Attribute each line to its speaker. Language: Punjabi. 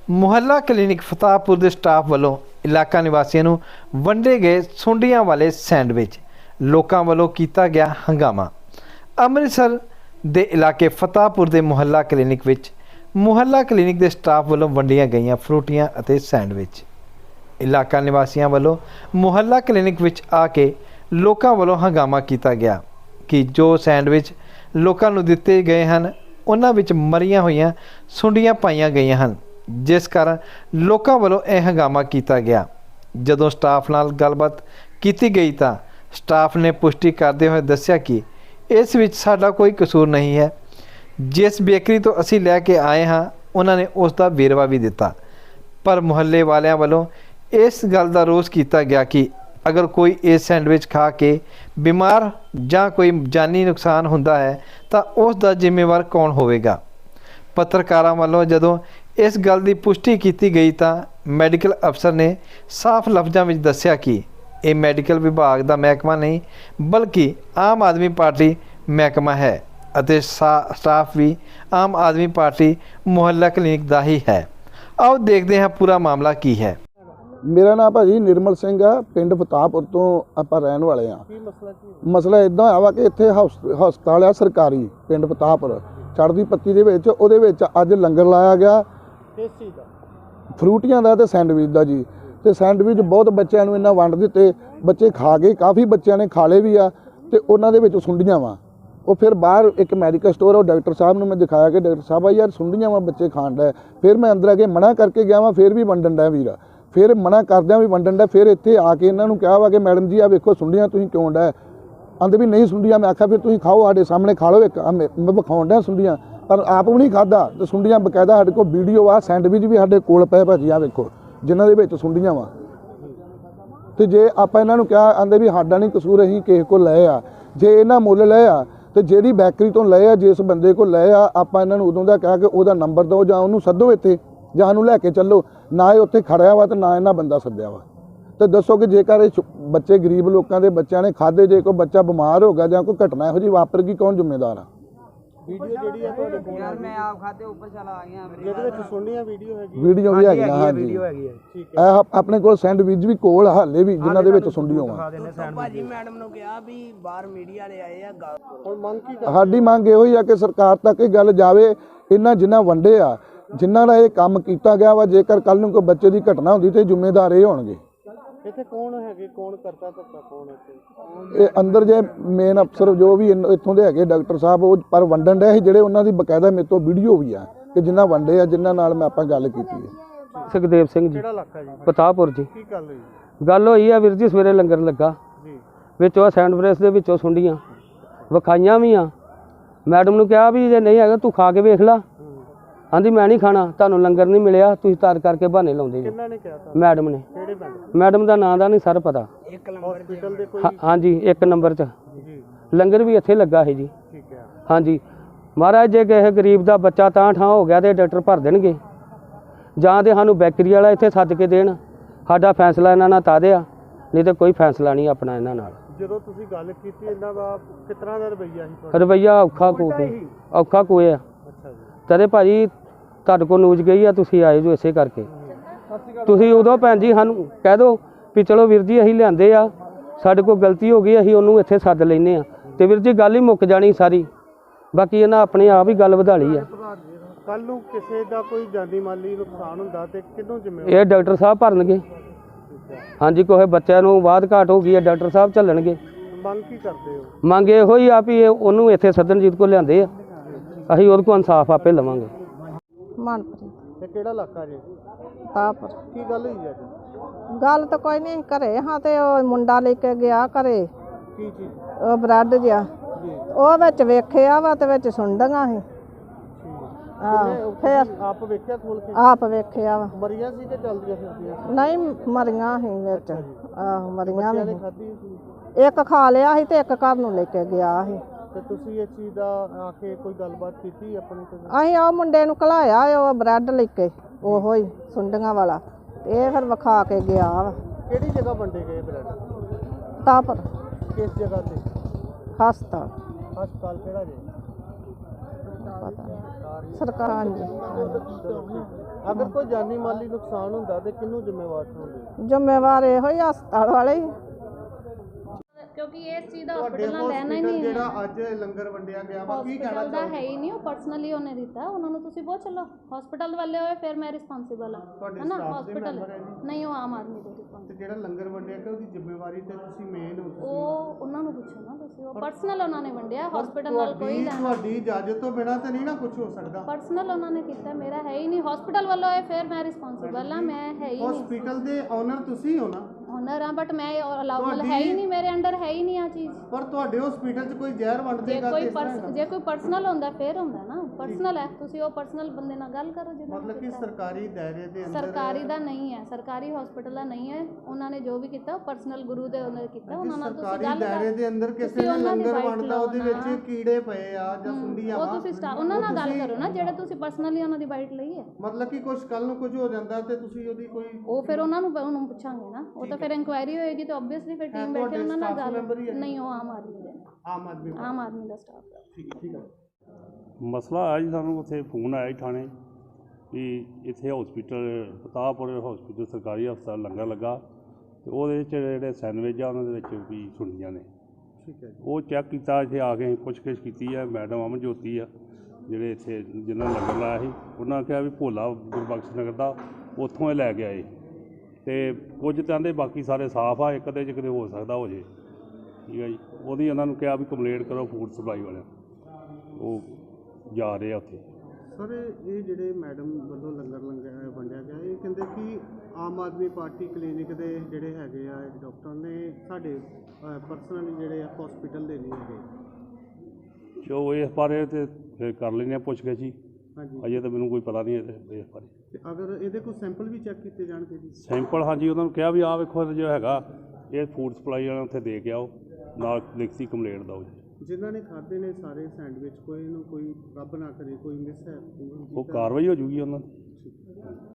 Speaker 1: ਮੁਹੱਲਾ ਕਲੀਨਿਕ ਫਤਾਹਪੁਰ ਦੇ ਸਟਾਫ ਵੱਲੋਂ ਇਲਾਕਾ ਨਿਵਾਸੀਆਂ ਨੂੰ ਵੰਡੇ ਗਏ ਸੁੰਡੀਆਂ ਵਾਲੇ ਸੈਂਡਵਿਚ ਲੋਕਾਂ ਵੱਲੋਂ ਕੀਤਾ ਗਿਆ ਹੰਗਾਮਾ। ਅੰਮ੍ਰਿਤਸਰ ਦੇ ਇਲਾਕੇ ਫਤਾਹਪੁਰ ਦੇ ਮੁਹੱਲਾ ਕਲੀਨਿਕ ਵਿੱਚ ਮੁਹੱਲਾ ਕਲੀਨਿਕ ਦੇ ਸਟਾਫ ਵੱਲੋਂ ਵੰਡੀਆਂ ਗਈਆਂ ਫਰੂਟੀਆਂ ਅਤੇ ਸੈਂਡਵਿਚ ਇਲਾਕਾ ਨਿਵਾਸੀਆਂ ਵੱਲੋਂ ਮੁਹੱਲਾ ਕਲੀਨਿਕ ਵਿੱਚ ਆ ਕੇ ਲੋਕਾਂ ਵੱਲੋਂ ਹੰਗਾਮਾ ਕੀਤਾ ਗਿਆ ਕਿ ਜੋ ਸੈਂਡਵਿਚ ਲੋਕਾਂ ਨੂੰ ਦਿੱਤੇ ਗਏ ਹਨ ਉਹਨਾਂ ਵਿੱਚ ਮਰੀਆਂ ਹੋਈਆਂ ਸੁੰਡੀਆਂ ਪਾਈਆਂ ਗਈਆਂ ਹਨ, ਜਿਸ ਕਾਰਨ ਲੋਕਾਂ ਵੱਲੋਂ ਇਹ ਹੰਗਾਮਾ ਕੀਤਾ ਗਿਆ। ਜਦੋਂ ਸਟਾਫ ਨਾਲ ਗੱਲਬਾਤ ਕੀਤੀ ਗਈ ਤਾਂ ਸਟਾਫ ਨੇ ਪੁਸ਼ਟੀ ਕਰਦੇ ਹੋਏ ਦੱਸਿਆ ਕਿ ਇਸ ਵਿੱਚ ਸਾਡਾ ਕੋਈ ਕਸੂਰ ਨਹੀਂ ਹੈ। ਜਿਸ ਬੇਕਰੀ ਤੋਂ ਅਸੀਂ ਲੈ ਕੇ ਆਏ ਹਾਂ ਉਹਨਾਂ ਨੇ ਉਸ ਦਾ ਵੇਰਵਾ ਵੀ ਦਿੱਤਾ, ਪਰ ਮੁਹੱਲੇ ਵਾਲਿਆਂ ਵੱਲੋਂ ਇਸ ਗੱਲ ਦਾ ਰੋਸ ਕੀਤਾ ਗਿਆ ਕਿ ਅਗਰ ਕੋਈ ਇਸ ਸੈਂਡਵਿਚ ਖਾ ਕੇ ਬਿਮਾਰ ਜਾਂ ਕੋਈ ਜਾਨੀ ਨੁਕਸਾਨ ਹੁੰਦਾ ਹੈ ਤਾਂ ਉਸ ਦਾ ਜ਼ਿੰਮੇਵਾਰ ਕੌਣ ਹੋਵੇਗਾ। ਪੱਤਰਕਾਰਾਂ ਵੱਲੋਂ ਜਦੋਂ ਇਸ ਗੱਲ ਦੀ ਪੁਸ਼ਟੀ ਕੀਤੀ ਗਈ ਤਾਂ ਮੈਡੀਕਲ ਅਫਸਰ ਨੇ ਸਾਫ਼ ਲਫ਼ਜ਼ਾਂ ਵਿੱਚ ਦੱਸਿਆ ਕਿ ਇਹ ਮੈਡੀਕਲ ਵਿਭਾਗ ਦਾ ਮਹਿਕਮਾ ਨਹੀਂ ਬਲਕਿ ਆਮ ਆਦਮੀ ਪਾਰਟੀ ਮਹਿਕਮਾ ਹੈ ਅਤੇ ਸਟਾਫ ਵੀ ਆਮ ਆਦਮੀ ਪਾਰਟੀ ਮੁਹੱਲਾ ਕਲੀਨਿਕ ਦਾ ਹੀ ਹੈ। ਆਓ ਦੇਖਦੇ ਹਾਂ ਪੂਰਾ ਮਾਮਲਾ ਕੀ ਹੈ।
Speaker 2: मेरा नाम भाजी निर्मल सिंह आ, पिंड फताहपुर तो आप रहने वाले हाँ। मसला इदा है कि इत्थे हस्पताल आ सरकारी पिंड फताहपुर चढ़दी पत्ती दे विच उहदे विच अज लंगर लाया गया फ्रूटियां दा ते सैंडविच दा जी। ते सैंडविच बहुत बच्चों नूं इन्हां वंड दित्ते, बच्चे खा गए, काफ़ी बच्चों ने खा लए भी आ ते उन्हां दे विच सुंडियां वा। वो फिर बाहर एक मैडिकल स्टोर है, डॉक्टर साहब ने मैं दिखाया कि डॉक्टर साहब यार सुंडियां वा बच्चे खाण डे। फिर मैं अंदर आके मना करके गया वा, फिर भी वंडन डे वीर, फिर मना करद्या भी वंडन डे। फिर इत्थे आके इन्हां नूं कहा वा कि मैडम जी आ वेखो सुंडियां तुसीं क्यों डे, आंदे भी नहीं सुंडियां। मैं आख्या फिर तुसीं खाओ, साडे सामने खा लो, एक मैं विखाउण डया सुंडियां, पर आप भी नहीं खादा। ते सुंडियां बकायदा साडे कोल वीडियो आ, सैंडविच भी साडे कोल पए भाजी आ वेखो जिन्हां दे विच सुंडियां वा। ते जे आपां इन्हां नूं कहा आंदे भी साडा नहीं कसूर, असीं किसे कोल लए आ, जे इन्हां मुੱਲ लए आ तो जेहड़ी बैकरी तो लए आ, जिस बंदे को लए आ, आपां इन्हां नूं उदों दा कहा कि उहदा नंबर दो जां उहनूं सद्दो इत्थे ਜਾਂ ਸਾਨੂੰ ਲੈ ਕੇ ਚੱਲੋ। ਨਾ ਇਹ ਉੱਥੇ ਖੜਿਆ ਵਾ ਤੇ ਨਾ ਇਹਨਾਂ ਬੰਦਾ ਸੱਦਿਆ ਵਾ। ਤੇ ਦੱਸੋ ਕਿ ਜੇਕਰ ਇਹ ਬੱਚੇ ਗਰੀਬ ਲੋਕਾਂ ਦੇ ਬੱਚਿਆਂ ਨੇ ਖਾਦੇ, ਜੇ ਕੋਈ ਬੱਚਾ ਬਿਮਾਰ ਹੋ ਗਿਆ ਜਾਂ ਕੋਈ ਘਟਨਾ ਇਹੋ ਜਿਹੀ ਵਾਪਰ ਗਈ, ਕੌਣ ਜ਼ਿੰਮੇਵਾਰ ਆ। ਵੀਡੀਓ ਜਿਹੜੀ ਹੈ ਤੁਹਾਡੇ ਕੋਲ ਯਾਰ ਮੈਂ ਆਪ ਖਾਦੇ ਉੱਪਰ ਚਲਾ ਆ ਗਿਆ, ਇਹਦੇ ਵਿੱਚ ਸੁਣਨੀਆਂ ਵੀਡੀਓ ਹੈਗੀ, ਵੀਡੀਓ ਵੀ ਹੈਗੀ, ਹਾਂ ਵੀਡੀਓ ਹੈਗੀ ਹੈ। ਠੀਕ ਹੈ, ਆਪਣੇ ਕੋਲ ਸੈਂਡਵਿਚ ਵੀ ਕੋਲ ਹਾਲੇ ਵੀ ਜਿਨ੍ਹਾਂ ਦੇ ਵਿੱਚ ਸੁੰਡੀਆਂ ਵਾ। ਭਾਜੀ ਮੈਡਮ ਨੂੰ ਕਿਹਾ ਵੀ ਬਾਹਰ ਮੀਡੀਆ ਵਾਲੇ ਆਏ ਆ, ਹੁਣ ਮੰਗ ਕੀ ਕਰ ਸਾਡੀ ਮੰਗ ਇਹੋ ਹੀ ਆ ਕਿ ਸਰਕਾਰ ਤੱਕ ਇਹ ਗੱਲ ਜਾਵੇ, ਇਹਨਾਂ ਜਿਨ੍ਹਾਂ ਵੰਡੇ ਆ ਜਿਨ੍ਹਾਂ ਦਾ ਇਹ ਕੰਮ ਕੀਤਾ ਗਿਆ ਵਾ, ਜੇਕਰ ਕੱਲ ਨੂੰ ਕੋਈ ਬੱਚੇ ਦੀ ਘਟਨਾ ਹੁੰਦੀ ਤੇ ਜ਼ਿੰਮੇਦਾਰ ਇਹ ਹੋਣਗੇ। ਇੱਥੇ ਕੌਣ ਹੈਗੇ, ਕੌਣ ਕਰਤਾ ਧੱਕਾ, ਕੌਣ ਇੱਥੇ ਇਹ ਅੰਦਰ ਜੇ ਮੇਨ ਅਫਸਰ ਜੋ ਵੀ ਇੱਥੋਂ ਦੇ ਹੈਗੇ ਡਾਕਟਰ ਸਾਹਿਬ, ਉਹ ਪਰ ਵੰਡਣ ਡਏ ਸੀ ਜਿਹੜੇ ਉਹਨਾਂ ਦੀ ਬਕਾਇਦਾ ਮੇਰੇ ਤੋਂ ਵੀਡੀਓ ਵੀ ਆ ਕਿ ਜਿਨ੍ਹਾਂ ਵੰਡੇ ਆ, ਜਿਨ੍ਹਾਂ ਨਾਲ ਮੈਂ ਆਪਾਂ ਗੱਲ ਕੀਤੀ ਹੈ।
Speaker 3: ਸੁਖਦੇਵ ਸਿੰਘ ਜੀ,
Speaker 2: ਕਿਹੜਾ ਇਲਾਕਾ ਜੀ?
Speaker 3: ਫਤਾਹਪੁਰ ਜੀ।
Speaker 2: ਕੀ ਗੱਲ ਹੋਈ?
Speaker 3: ਗੱਲ ਹੋਈ ਆ ਵੀਰ ਜੀ, ਸਵੇਰੇ ਲੰਗਰ ਲੱਗਾ ਜੀ, ਵਿੱਚੋਂ ਸੈਂਡਵਿਚ ਦੇ ਵਿੱਚੋਂ ਸੁੰਡੀਆਂ ਵਿਖਾਈਆਂ ਵੀ ਆ। ਮੈਡਮ ਨੂੰ ਕਿਹਾ ਵੀ ਜੇ ਨਹੀਂ ਹੈਗਾ ਤੂੰ ਖਾ ਕੇ ਵੇਖ ਲਾ, ਆਂਦੀ ਮੈਂ ਨਹੀਂ ਖਾਣਾ, ਤੁਹਾਨੂੰ ਲੰਗਰ ਨਹੀਂ ਮਿਲਿਆ, ਤੁਸੀਂ ਤਾਰ ਕਰਕੇ ਬਹਾਨੇ ਲਾਉਂਦੇ ਜੀ।
Speaker 2: ਕਿਹਨਾਂ ਨੇ ਕਿਹਾ?
Speaker 3: ਮੈਡਮ ਨੇ।
Speaker 2: ਕਿਹੜੇ ਪਿੰਡ?
Speaker 3: ਮੈਡਮ ਦਾ ਨਾਂ ਦਾ ਨਹੀਂ ਸਰ ਪਤਾ।
Speaker 2: ਹਸਪੀਟਲ ਦੇ ਕੋਈ?
Speaker 3: ਹਾਂਜੀ 1 ਨੰਬਰ 'ਚ
Speaker 2: ਜੀ
Speaker 3: ਲੰਗਰ ਵੀ ਇੱਥੇ ਲੱਗਾ ਹੈ ਜੀ।
Speaker 2: ਠੀਕ ਹੈ, ਹਾਂਜੀ।
Speaker 3: ਮਹਾਰਾਜ ਜੇ ਕਿਸੇ ਗਰੀਬ ਦਾ ਬੱਚਾ ਤਾਂ ਠਾਂ ਹੋ ਗਿਆ ਤੇ ਡਾਕਟਰ ਭਰ ਦੇਣਗੇ, ਜਾਂ ਤੇ ਸਾਨੂੰ ਬੈਕਰੀ ਵਾਲਾ ਇੱਥੇ ਸੱਦ ਕੇ ਦੇਣ, ਸਾਡਾ ਫੈਸਲਾ ਇਹਨਾਂ ਨਾਲ ਤਾਂ ਦਿਆ, ਨਹੀਂ ਤੇ ਕੋਈ ਫੈਸਲਾ ਨਹੀਂ ਆਪਣਾ ਇਹਨਾਂ ਨਾਲ।
Speaker 2: ਜਦੋਂ ਤੁਸੀਂ ਗੱਲ ਕੀਤੀ ਇਹਨਾਂ ਦਾ ਕਿਸ ਤਰ੍ਹਾਂ ਦਾ ਰਵੱਈਆ ਸੀ?
Speaker 3: ਰਵੱਈਆ ਔਖਾ ਕੋਇਆ।
Speaker 2: ਅੱਛਾ ਜੀ।
Speaker 3: ਤਦੇ ਭਾਜੀ ਤੁਹਾਡੇ ਕੋਲ ਨਿਊਜ਼ ਗਈ ਆ, ਤੁਸੀਂ ਆਏ ਜੋ ਇਸੇ ਕਰਕੇ। ਤੁਸੀਂ ਉਦੋਂ ਭੈਣ ਜੀ ਸਾਨੂੰ ਕਹਿ ਦਿਓ ਵੀ ਚਲੋ ਵੀਰ ਜੀ ਅਸੀਂ ਲਿਆਂਦੇ ਆ, ਸਾਡੇ ਕੋਲ ਗਲਤੀ ਹੋ ਗਈ, ਅਸੀਂ ਉਹਨੂੰ ਇੱਥੇ ਸੱਦ ਲੈਂਦੇ ਆ ਤੇ ਵੀਰ ਜੀ ਗੱਲ ਹੀ ਮੁੱਕ ਜਾਣੀ ਸਾਰੀ। ਬਾਕੀ ਇਹਨਾਂ ਆਪਣੇ ਆਪ ਹੀ ਗੱਲ ਵਧਾ ਲਈ ਆ।
Speaker 2: ਕੱਲ ਨੂੰ ਕਿਸੇ ਦਾ ਕੋਈ ਜਾਨੀ ਮਾਲੀ ਨੁਕਸਾਨ ਹੁੰਦਾ ਤੇ ਕਿਹਨੂੰ ਜ਼ਿੰਮੇਵਾਰ?
Speaker 3: ਇਹ ਡਾਕਟਰ ਸਾਹਿਬ ਭਰਨਗੇ। ਹਾਂਜੀ, ਕੋਈ ਬੱਚਿਆਂ ਨੂੰ ਬਾਅਦ ਘਾਟ ਹੋ ਗਈ ਹੈ, ਡਾਕਟਰ ਸਾਹਿਬ ਝੱਲਣਗੇ।
Speaker 2: ਮੰਗ ਕੀ ਕਰਦੇ ਹੋ?
Speaker 3: ਮੰਗ ਇਹੋ ਹੀ ਆ ਵੀ ਉਹਨੂੰ ਇੱਥੇ ਸੱਦਨਜੀਤ ਕੋਲ ਲਿਆਂਦੇ ਆ, ਅਸੀਂ ਉਹਦੇ ਕੋਲ ਇਨਸਾਫ ਆਪੇ ਲਵਾਂਗੇ।
Speaker 4: ਮਨਪ੍ਰੀਤ।
Speaker 2: ਤੇ ਕਿਹੜਾ ਇਲਾਕਾ ਜੀ?
Speaker 4: ਤਾਪਰ।
Speaker 2: ਕੀ ਗੱਲ ਹੋਈ ਅੱਜ?
Speaker 4: ਗੱਲ ਤਾਂ ਕੋਈ ਨਹੀਂ, ਘਰੇ ਹਾਂ ਤੇ ਉਹ ਮੁੰਡਾ ਲੈ ਕੇ ਗਿਆ ਘਰੇ
Speaker 2: ਕੀ ਚੀਜ਼?
Speaker 4: ਉਹ ਬ੍ਰੈਡ ਜਿਹਾ, ਉਹ ਵਿੱਚ ਵੇਖਿਆ ਵਾ ਤੇ ਵਿੱਚ ਸੁੰਡੀਆਂ ਸੀ। ਫਿਰ
Speaker 2: ਆਪ ਵੇਖਿਆ ਖੋਲ ਕੇ?
Speaker 4: ਆਪ ਵੇਖਿਆ ਵਾ।
Speaker 2: ਮਰੀਆਂ ਸੀ ਕਿ ਚਲਦੀਆਂ ਫਿਰਦੀਆਂ?
Speaker 4: ਨਹੀਂ ਮਰੀਆਂ ਸੀ ਵਿੱਚ। ਆਹੋ ਮਰੀਆਂ ਵੀ।
Speaker 2: ਖਾਧੀ ਸੀ?
Speaker 4: ਇੱਕ ਖਾ ਲਿਆ ਸੀ ਤੇ ਇੱਕ ਘਰ ਨੂੰ ਲੈ ਕੇ ਗਿਆ ਸੀ।
Speaker 2: ਤੇ ਤੁਸੀਂ ਇਸ ਚੀਜ਼ ਦਾ ਆ ਕੇ ਕੋਈ ਗੱਲਬਾਤ ਕੀਤੀ ਆਪਣੀ?
Speaker 4: ਅਸੀਂ ਉਹ ਮੁੰਡੇ ਨੂੰ ਘਲਾਇਆ, ਉਹ ਬ੍ਰੈਡ ਲੈ ਕੇ, ਉਹੋ ਹੀ ਸੁੰਡੀਆਂ ਵਾਲਾ, ਇਹ ਫਿਰ ਵਿਖਾ ਕੇ ਗਿਆ ਵਾ।
Speaker 2: ਕਿਹੜੀ ਜਗ੍ਹਾ ਵੰਡੇ ਗਏ ਬ੍ਰੈਡ?
Speaker 4: ਤਾਪਰ।
Speaker 2: ਕਿਸ ਜਗ੍ਹਾ ਤੇ?
Speaker 4: ਹਸਪਤਾਲ।
Speaker 2: ਹਸਪਤਾਲ ਕਿਹੜਾ ਜੀ?
Speaker 4: ਪਤਾ ਨਹੀਂ ਸਰਕਾਰ। ਹਾਂਜੀ।
Speaker 5: ਅਗਰ ਕੋਈ ਜਾਨੀ ਮਾਲੀ ਨੁਕਸਾਨ ਹੁੰਦਾ ਤੇ ਕਿਹਨੂੰ ਜ਼ਿੰਮੇਵਾਰ ਠਹਿਰਾਉਂਦੇ?
Speaker 4: ਜ਼ਿੰਮੇਵਾਰ ਇਹੋ ਹੀ ਹਸਪਤਾਲ ਵਾਲੇ ਹੀ।
Speaker 6: ਕਿਉਂਕਿ ਇਸ ਚੀਜ਼ ਦਾ ਹਸਪੀਟਲ ਨਾਲ ਲੈਣਾ ਹੀ ਨਹੀਂ ਹੈ।
Speaker 5: ਜਿਹੜਾ ਅੱਜ ਲੰਗਰ ਵੰਡਿਆ ਗਿਆ ਵਾ ਕੀ ਕਹਿਣਾ
Speaker 6: ਹਸਪੀਟਲ ਦਾ ਹੈ ਹੀ ਨਹੀਂ, ਉਹ ਪਰਸਨਲੀ ਉਹਨੇ ਦਿੱਤਾ, ਉਹਨਾਂ ਨੂੰ ਤੁਸੀਂ ਬਹੁਤ ਚਲੋ ਹਸਪੀਟਲ ਵਾਲੇ ਹੋਏ ਫਿਰ ਮੈਂ ਰਿਸਪੌਂਸਿਬਲ ਹਾਂ, ਹੈ ਨਾ। ਹਸਪੀਟਲ ਨਹੀਂ, ਉਹ ਆਮ ਆਦਮੀ ਦੇ ਰਿਸਪੌਂਸਿਬਲ।
Speaker 5: ਤੇ ਜਿਹੜਾ ਲੰਗਰ ਵੰਡਿਆ ਗਿਆ ਉਹਦੀ ਜ਼ਿੰਮੇਵਾਰੀ ਤੇ ਤੁਸੀਂ ਮੇਨ ਹੋ?
Speaker 6: ਉਹ ਉਹਨਾਂ ਨੂੰ ਪੁੱਛੋ ਨਾ ਤੁਸੀਂ, ਉਹ ਪਰਸਨਲ ਉਹਨਾਂ ਨੇ ਵੰਡਿਆ, ਹਸਪੀਟਲ ਨਾਲ ਕੋਈ ਲੈਣਾ।
Speaker 5: ਤੁਹਾਡੀ ਇਜਾਜ਼ਤ ਤੋਂ ਬਿਨਾਂ ਤਾਂ ਨਹੀਂ ਨਾ ਕੁਝ ਹੋ ਸਕਦਾ।
Speaker 6: ਪਰਸਨਲ ਉਹਨਾਂ ਨੇ ਕੀਤਾ, ਮੇਰਾ ਹੈ ਹੀ ਨਹੀਂ। ਹਸਪੀਟਲ ਵੱਲੋਂ ਹੋਏ ਫਿਰ ਮੈਂ ਰਿਸਪੌਂਸਿਬਲ ਹਾਂ, ਮੈਂ ਹੈ ਹੀ ਨਹੀਂ।
Speaker 5: ਹਸਪੀਟਲ ਦੇ ਓਨਰ ਤੁਸੀਂ ਹੋ ਨਾ?
Speaker 6: ਓਨਰ ਹਾਂ, ਬਟ ਮੈਂ ਅਲਾਉਬਲ ਹੈ ਹੀ ਨਹੀਂ, ਮੇਰੇ ਅੰਡਰ ਹੈ ਹੀ ਨਹੀਂ ਆ ਚੀਜ਼।
Speaker 5: ਪਰ ਤੁਹਾਡੇ ਹਸਪੀਟਲ 'ਚ ਕੋਈ ਜ਼ਹਿਰ ਵੰਡ ਦੇਗਾ ਤੇ
Speaker 6: ਜੇ ਕੋਈ ਪਰਸਨਲ ਹੁੰਦਾ ਫਿਰ ਹੁੰਦਾ ਨਾ, ਪਰਸਨਲ ਹੈ, ਤੁਸੀਂ ਉਹ ਪਰਸਨਲ ਬੰਦੇ ਨਾਲ ਗੱਲ ਕਰੋ ਜਿਹਨਾਂ
Speaker 5: ਮਤਲਬ ਕਿ ਸਰਕਾਰੀ ਦਾਇਰੇ ਦੇ ਅੰਦਰ?
Speaker 6: ਸਰਕਾਰੀ ਦਾ ਨਹੀਂ ਹੈ, ਸਰਕਾਰੀ ਹਸਪੀਟਲ ਦਾ ਨਹੀਂ ਹੈ। ਉਹਨਾਂ ਨੇ ਜੋ ਵੀ ਕੀਤਾ ਪਰਸਨਲ ਗੁਰੂ ਦੇ ਉਹਨਾਂ ਨੇ ਕੀਤਾ, ਉਹਨਾਂ ਨਾਲ ਤੁਸੀਂ
Speaker 5: ਸਰਕਾਰੀ
Speaker 6: ਗੱਲ
Speaker 5: ਦਾਇਰੇ ਦੇ ਅੰਦਰ ਕਿਸੇ ਨੇ ਲੰਗਰ ਵੰਡਦਾ ਉਹਦੇ ਵਿੱਚ ਕੀੜੇ ਪਏ ਆ ਜਾਂ ਸੁੰਡੀਆਂ
Speaker 6: ਉਹ ਤੁਸੀਂ ਉਹਨਾਂ ਨਾਲ ਗੱਲ ਕਰੋ ਨਾ, ਜਿਹੜੇ ਤੁਸੀਂ ਪਰਸਨਲੀ ਉਹਨਾਂ ਦੀ ਬਾਈਟ ਲਈ ਹੈ।
Speaker 5: ਮਤਲਬ ਕਿ ਕੁਝ ਕੱਲ ਨੂੰ ਕੁਝ ਹੋ ਜਾਂਦਾ ਤੇ ਤੁਸੀਂ ਉਹਦੀ ਕੋਈ
Speaker 6: ਉਹ ਫਿਰ ਉਹਨਾਂ ਨੂੰ ਪੁੱਛਾਂਗੇ ਨਾ, ਉਹ ਤਾਂ ਫਿਰ ਇਨਕੁਆਇਰੀ ਹੋਏਗੀ ਤਾਂ ਆਬਵੀਅਸਲੀ ਫਿਰ ਟੀਮ ਬੈਠੇ ਉਹਨਾਂ ਨਾਲ ਗੱਲ। ਨਹੀਂ, ਉਹ ਆਮ ਆਦਮੀ ਦੇ ਨੇ, ਆਮ ਆਦਮੀ ਦਾ ਸਟਾਫ ਹੈ।
Speaker 5: ਠੀਕ ਹੈ।
Speaker 7: ਮਸਲਾ ਆਇਆ ਜੀ, ਸਾਨੂੰ ਉੱਥੇ ਫੋਨ ਆਇਆ ਜੀ ਥਾਣੇ ਵੀ ਇੱਥੇ ਹਸਪੀਟਲ ਫਤਾਹਪੁਰ ਹਸਪੀਟਲ ਸਰਕਾਰੀ ਹਸਪਤਾਲ ਲੰਗਰ ਲੱਗਾ ਤੇ ਉਹਦੇ ਵਿੱਚ ਜਿਹੜੇ ਸੈਂਡਵਿਚ ਆ ਉਹਨਾਂ ਦੇ ਵਿੱਚ ਵੀ ਸੁੰਡੀਆਂ ਨੇ।
Speaker 5: ਠੀਕ ਹੈ ਜੀ।
Speaker 7: ਉਹ ਚੈੱਕ ਕੀਤਾ, ਇੱਥੇ ਆ ਕੇ ਪੁੱਛਗਿੱਛ ਕੀਤੀ ਹੈ। ਮੈਡਮ ਅਮਨ ਜੋਤੀ ਆ ਜਿਹੜੇ ਇੱਥੇ ਜਿਨ੍ਹਾਂ ਨੇ ਲੰਗਰ ਲਾਇਆ ਸੀ, ਉਹਨਾਂ ਨੇ ਕਿਹਾ ਵੀ ਭੋਲਾ ਗੁਰਬਖਸ਼ ਨਗਰ ਦਾ ਉੱਥੋਂ ਇਹ ਲੈ ਕੇ ਆਏ ਤੇ ਕੁਝ ਕਹਿੰਦੇ ਬਾਕੀ ਸਾਰੇ ਸਾਫ਼ ਆ, ਇੱਕ ਅੱਧੇ 'ਚ ਕਿਤੇ ਹੋ ਸਕਦਾ ਹੋ ਜੇ। ਠੀਕ ਹੈ ਜੀ। ਉਹਦੀ ਉਹਨਾਂ ਨੂੰ ਕਿਹਾ ਵੀ ਕੰਪਲੇਂਟ ਕਰੋ ਫੂਡ ਸਪਲਾਈ ਵਾਲਿਆਂ, ਉਹ ਜਾ ਰਹੇ ਆ ਉੱਥੇ।
Speaker 5: ਸਰ ਇਹ ਜਿਹੜੇ ਮੈਡਮ ਵੱਲੋਂ ਲੰਗਰ ਵੰਡਿਆ ਗਿਆ, ਇਹ ਕਹਿੰਦੇ ਕਿ ਆਮ ਆਦਮੀ ਪਾਰਟੀ ਕਲੀਨਿਕ ਦੇ ਜਿਹੜੇ ਹੈਗੇ ਆ ਡਾਕਟਰ ਨੇ ਸਾਡੇ ਪਰਸਨਲੀ ਜਿਹੜੇ ਆ ਹਸਪੀਟਲ ਦੇ ਨਹੀਂ ਹੈਗੇ।
Speaker 7: ਜੋ ਇਸ ਬਾਰੇ ਤੇ ਫਿਰ ਕਰ ਲੈਂਦੇ ਆ ਪੁੱਛਗਿੱਛ ਜੀ।
Speaker 5: ਹਾਂਜੀ।
Speaker 7: ਅਜੇ ਤਾਂ ਮੈਨੂੰ ਕੋਈ ਪਤਾ ਨਹੀਂ ਇਸ ਬਾਰੇ।
Speaker 5: ਤੇ ਅਗਰ ਇਹਦੇ ਕੋਈ ਸੈਂਪਲ ਵੀ ਚੈੱਕ ਕੀਤੇ ਜਾਣਗੇ ਜੀ?
Speaker 7: ਸੈਂਪਲ ਹਾਂਜੀ, ਉਹਨਾਂ ਨੂੰ ਕਿਹਾ ਵੀ ਆਹ ਵੇਖੋ ਜੋ ਹੈਗਾ ਇਹ ਫੂਡ ਸਪਲਾਈ ਵਾਲਿਆਂ ਉੱਥੇ ਦੇ ਕੇ ਆਓ, ਨਾਲ ਲਿਖਤੀ ਕੰਪਲੇਂਟ ਦਿਓ ਜੀ।
Speaker 5: ਜਿਨ੍ਹਾਂ ਨੇ ਖਾਧੇ ਨੇ ਸਾਰੇ ਸੈਂਡਵਿਚ, ਕੋਈ ਨੂੰ ਕੋਈ ਰੱਬ ਨਾ ਕਰੇ ਕੋਈ ਮਿਸ ਹੈ
Speaker 7: ਉਹ ਕਾਰਵਾਈ ਹੋ ਜੂਗੀ ਉਹਨਾਂ ਦੀ।